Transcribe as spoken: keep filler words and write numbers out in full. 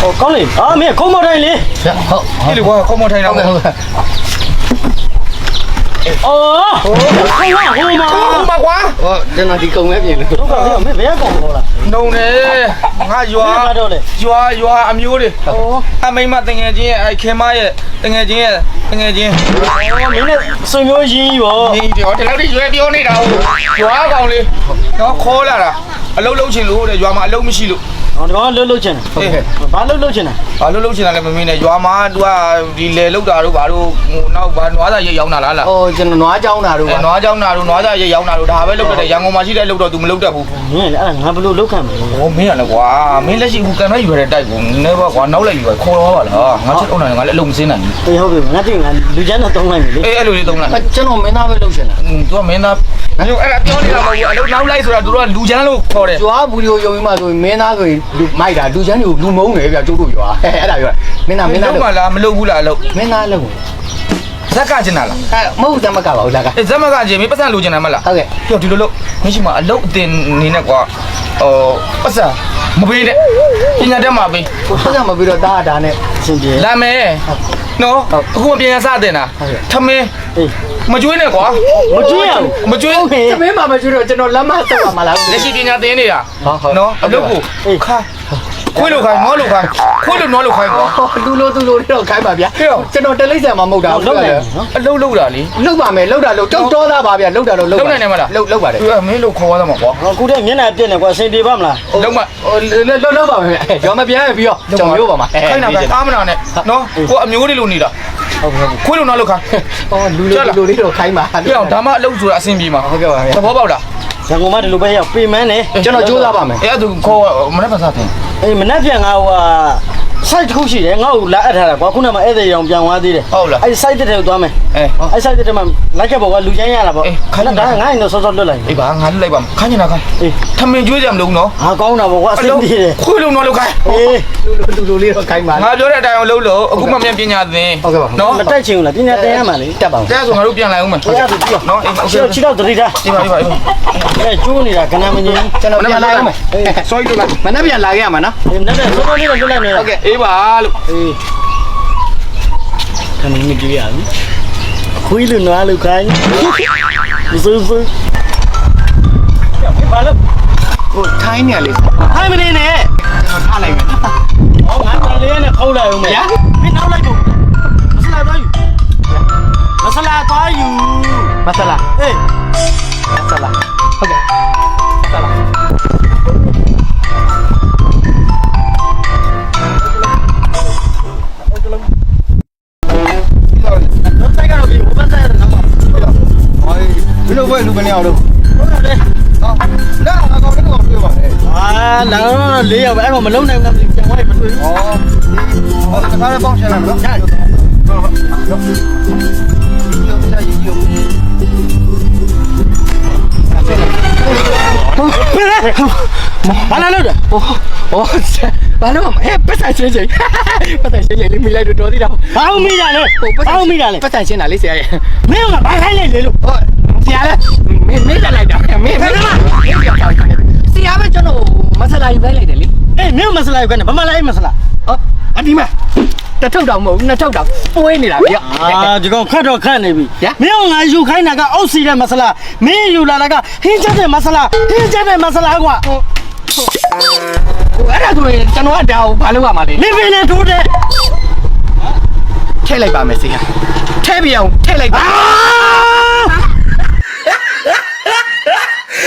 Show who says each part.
Speaker 1: ဟိုကောင်းလေအာမင်းခုံမော်တိုင်းလေ
Speaker 2: ဟုတ်ဒီလိုကွာခုံမော်ထိုင်တော့ဟုတ်ကဲ့
Speaker 1: အော်ဟိုဟိုမှာဟိုမှာဟိုမှာကွာ
Speaker 2: ဟောကျွန်တော်ဒီကုံပဲပြင်လို့
Speaker 1: တို့ကမင်းဘယ်ကောင်ခေါ်လာ
Speaker 2: နှုံနေငါရွာရွာရွာအမျိုးတွေအမိမတငယ်ချင်းရဲ့အဲခင်မရဲ့တငယ်ချင်းရဲ့တငယ်ချင်း
Speaker 1: အော်မင်းနဲ့ဆွေမျိုးရင်းကြီးပေါ့
Speaker 2: ဒီတော့ဒီလောက်ထိရွယ်ပြောနေတာဟုတ်ရွာကောင်လေးနော်ခေါ်လာတာအလုံးလုံးချင်လို့တဲ့ရွာမှာအလုံးမရှိလို့
Speaker 1: ဟောဒီကောင်လှုပ်လှုပ်ချင်တယ်ဘာလှုပ်လှုပ်ချင်တယ်
Speaker 2: ဘာလှုပ်လှုပ်ချင်တာလဲမမင်းနဲ့ရွာမှာ तू ကဒီလေလှုပ်တာတို့ဘာတို့ဟိုနောက်ဘာနွားသားရိတ်ရောက်တာလားလား
Speaker 3: ဟိုကျွန်တော်နွားเจ้าနာတို့
Speaker 2: ပါနွားเจ้าနာတို့နွားသားရိတ်ရောက်တာတို့ဒါပဲလှုပ်တယ်ရန်ကုန်မှာရှိတဲ့လှုပ်တော့ तू မလှုပ်တတ်ဘူး
Speaker 1: မင်းလည်းအဲ့ဒါငါဘလို့လှုပ်ခံမလဲ
Speaker 2: ဟောမင်းကလည်းကွာမင်းလက်ရှိဟိုကန်လိုက်ယူရတဲ့တိုက်ကိုနည်းပါကွာနောက်လိုက်ယူရခေါ်တော့ပါလားငါချက်အုံနိုင်ငါလည်းအလုံးမစင်းနိုင်ဘူး
Speaker 1: အေးဟုတ်ပြီငါသိငါလူချမ်းတော့တုံးလိုက်ပြီလေ
Speaker 2: အေးအဲ့လိုလေးတုံးလိုက်
Speaker 3: ကျွန်တော်မင်းသားပဲလှုပ်ရှင်တာ
Speaker 2: तू ကမင်းသားအဲ့လိုအဲ့ဒါပြောနေတာမဟုတ်ဘူးအလုံးနောက်လိုက်ဆိုတာ तू တို့ကလူချမ်းလို့ခေါ်တယ်
Speaker 3: ကျွားဘူးတွေကိုယုံပြီးမှဆိုရင်မင်းသားဆိုရင်လူမိုက်တာလူချမ်းတွေကိုလူမုန်းတယ်ဗျကျုပ်တို့ရွာအဲ့ဒါပြောမင်းသားမင်းသား
Speaker 2: လှုပ်ပါလားမလှုပ်ဘူးလားလှုပ်
Speaker 3: မင်းသားလှုပ်
Speaker 2: ဇက်ကကျင်တာလား
Speaker 3: အဲမဟုတ်ဇက်မကပါဘူးလားက
Speaker 2: အေးဇက်မကကျင်မင်းပတ်စံလိုချင်တာမလား
Speaker 3: ဟုတ်ကဲ့
Speaker 2: ပြောဒီလိုလှုပ်မရှိမှအလုပ်အတင်နေနဲ့ကွာဟိုပတ်စံမပေးနဲ့ပညာတတ်မှာပေး
Speaker 3: ပတ်စံမပြီးတော့တားတာနဲ့
Speaker 1: စင်ပြေ
Speaker 2: လာမယ်နော်အခုမပြန်ရစတင်တာထမင်း
Speaker 1: အေး
Speaker 2: မကျွေးနဲ့ကွာ
Speaker 1: မကျွေးရဘူး
Speaker 2: မကျွေး
Speaker 3: သမင်းမှာမကျွေးတော့ကျွန်တော်လက်မဆက်ပါမလား
Speaker 2: လက်ရှိပညာသင်နေတာနော်အလုပ်ကိုခါခွေးလိုခိုင်းငေါလိုခိုင်းခွေးလိုနွားလိုခိုင်းကွာ
Speaker 3: လူလိုသူလိုတော့ခိုင်းပါဗျာကျွန်တော်တလိမ့်ဆန်မှာမဟုတ်တာ
Speaker 1: လှုပ်တယ်
Speaker 2: အလုပ်လုပ်တာလေ
Speaker 3: လှုပ်ပါမယ်လှုပ်တာလှုပ်တော့တော်သားပါဗျာလှုပ်တာလှုပ်လှုပ်
Speaker 2: လှုပ်နိုင်တယ်မလား
Speaker 3: လှုပ်လှုပ်ပါတယ်
Speaker 2: သူကမင်းလိုခေါ်ရမှာကွာ
Speaker 1: အခုတည်းမျက်နှာပြက်နေကွာစင်ပြေပါမလား
Speaker 2: လှုပ်မ
Speaker 3: လှုပ်လှုပ်ပါမယ်ရောမပြန်ပြီးတော့ကြောင်ရိုးပါမှာ
Speaker 2: ခိုင်းတာကအားမနာနဲ့နော်ကိုအမျိုးလေးလိုနေတာ
Speaker 3: ဟုတ်
Speaker 2: ကဲ့ခွေးလိုနွားလိုခိုင်း
Speaker 3: ဟောလူလိုလူလေးတော့ခိုင်းပါ
Speaker 2: ပြောင်းဒါမှအလုပ်ဆိုတာအဆင်ပြေမှာ
Speaker 3: ဟုတ်ကဲ့ပါဗျာ
Speaker 2: သဘောပေါက်လား
Speaker 1: ရန်ကုန်မှာဒီလိုပဲရောက်ပေမန်းနေ
Speaker 3: ကျွန်တော်ကြိုးစားပါမယ်
Speaker 2: အဲ့ဒါခေါ်မနေ့ကစားတယ်
Speaker 1: အေးမနှက်ပြန်ငါဟိုဟာ site တစ်ခုရှိတယ်ငါ့ကိုလာအပ်ထားတာကွာခုနကမှဧည့်သည်ရောင်ပြန်သွားသေးတယ်
Speaker 2: ဟုတ်လား
Speaker 1: အဲ့ site တဲ့ထဲကိုသွားမယ်
Speaker 2: အဲ
Speaker 1: အဲ့ site တဲ့ထဲမှာလိုက်ခဲ့ပေါ့ကွာလူချမ်းရတာပေါ့ခဏဒါငါ့ရင်တော့စောစောလွတ်လိုက်
Speaker 2: အေးပါငါလွတ်လိုက်ပါခိုင်းနေတာခိုင်း
Speaker 1: အေး
Speaker 2: ထမင်းကျွေးကြမလို့နော်
Speaker 1: ဟာကောင်းတာပေါ့ကွာအဆင်ပြေတယ်
Speaker 2: ခွေးလုံးတော့လောက်ခိုင်း
Speaker 1: အေး
Speaker 3: လူလူလေးတော့ခိုင်းပါ
Speaker 2: ငါပြောတဲ့အတိုင်းအောင်လုပ်လို့အခုမှမြန်ပညာသင်
Speaker 3: ဟုတ်ကဲ့ပါ
Speaker 2: နော်
Speaker 1: မတိုက်ချင်ဘူးလားပညာသင်ရမှာလေ
Speaker 3: တက်ပါဦး
Speaker 2: တဲ့ဆိုငါတို့ပြန်လာအောင်မယ်
Speaker 1: ဟုတ်ကဲ့ပြီ
Speaker 2: နော်အေးโอเค
Speaker 1: ချီတော့တတိထား
Speaker 2: အေးပါအေးပါအေးပါ
Speaker 1: အဲကျိုးနေတာကနမငင်း
Speaker 3: ကျွန်တော်ပြန်လာရမယ်
Speaker 2: အေး sorry လို့လား
Speaker 3: မနေ့ပြန်လာခဲ့ရမှာနော်
Speaker 1: အေးနက်တဲ့စောစောလေးတော့လွတ်လိုက်နေ
Speaker 2: ဟုတ်ကဲ့အေးပါလို့
Speaker 1: အေးခဏနေကြည့်ရအောင်ခွေးလူနွားလူခိုင်းစူးစူးဘာလို့
Speaker 3: ကိုထိုင်းနေလေ
Speaker 1: ထိုင်းမနေနဲ့
Speaker 3: ကျွန်တော်ထားလိုက်မယ်
Speaker 1: ဟောငါတန်လေးနဲ့ခေါက်လိုက်အောင်မယ်မင်းနောက်လိုက်ဖို့မဆလာသွားယူမဆလာသွားယူ
Speaker 3: မဆလာ
Speaker 1: အေး
Speaker 3: မဆလာဟုတ်ကဲ့ဆလာဘယ်လိုပဲလူကနေအောင်လို့
Speaker 1: ဟုတ်တယ်
Speaker 3: ဟာလာအကောင်တော့တွေ့ပါလေ
Speaker 1: အာလာတော့လေးရောက်ပဲအဲ့ကောင်မလုံးနိုင်ဘူးပြန်သွားရင်မတွေ့ဘူး
Speaker 3: ဩဟောတခါလည်းပေါင်းချင်လာမလို့ဟုတ်ဟုတ်
Speaker 1: ဘာလာလို့လဲ
Speaker 3: ဟောဟောဘာလို့မဟဲ့ပတ်ဆိုင်ချင်းချင်းပတ်ဆိုင်ချင်းလေးမိလိုက်တော့တော်သေးတာ
Speaker 1: ဘာလို့မိတာလဲဘာလို့မိတာလဲ
Speaker 3: ပတ်ဆိုင်ချင်းတာလေးဆရာရဲ့
Speaker 1: မင်းကဘာခိုင်းလိုက်လေလို့
Speaker 3: ဟုတ်ဆရာလည်းမင်းမင်းလိုက်တာမင်းမင်းဆရာပဲကျွန်တော်မဆလာယူလိုက်လိုက်တယ်လေ
Speaker 1: အေးမင်းမဆလာယူခိုင်းတယ်ဘာမှလည်းအေးမဆလာ
Speaker 3: ဟောအဒီမှာတစ်ထုပ်တောင်မဟုတ်နှစ်ထုပ်တောင်ပွေးနေတာဗျ
Speaker 1: အာဒီကောင်ခတ်တော့ခတ်နေပြီမင်းကငါယူခိုင်းတာကအုတ်စီတဲ့မဆလာမင်းယူလာတာကဟင်းချက်တဲ့မဆလာဟင်းချက်တဲ့မဆလာကွာ
Speaker 3: ဟိုအဲ့ဒါဆိုရင်ကျွန်တော်ကဒါကိုဘာလုပ်ရမှာလဲ
Speaker 1: နေပင်နဲ့ထိုးတယ်
Speaker 3: ထည့်လိုက်ပါမယ်ဆရာထည့်ပြအောင်ထည့်လိုက်ပါ